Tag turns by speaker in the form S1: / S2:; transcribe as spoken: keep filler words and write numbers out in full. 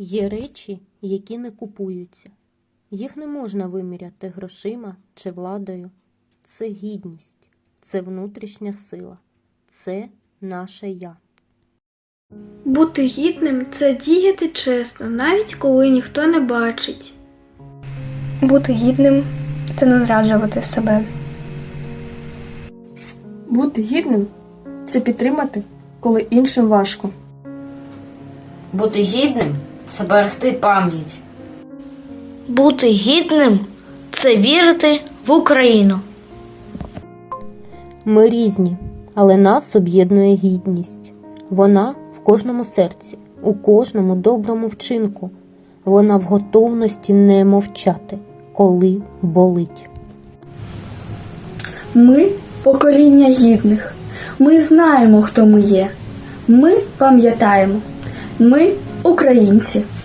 S1: Є речі, які не купуються. Їх не можна виміряти грошима чи владою. Це гідність, це внутрішня сила, це наше «я».
S2: Бути гідним – це діяти чесно, навіть коли ніхто не бачить.
S3: Бути гідним – це не зраджувати себе.
S4: Бути гідним – це підтримати, коли іншим важко.
S5: Бути гідним – це берегти пам'ять.
S6: Бути гідним – це вірити в Україну.
S1: Ми різні, але нас об'єднує гідність. Вона в кожному серці, у кожному доброму вчинку. Вона в готовності не мовчати, коли болить.
S7: Ми – покоління гідних. Ми знаємо, хто ми є. Ми пам'ятаємо. Ми – українці.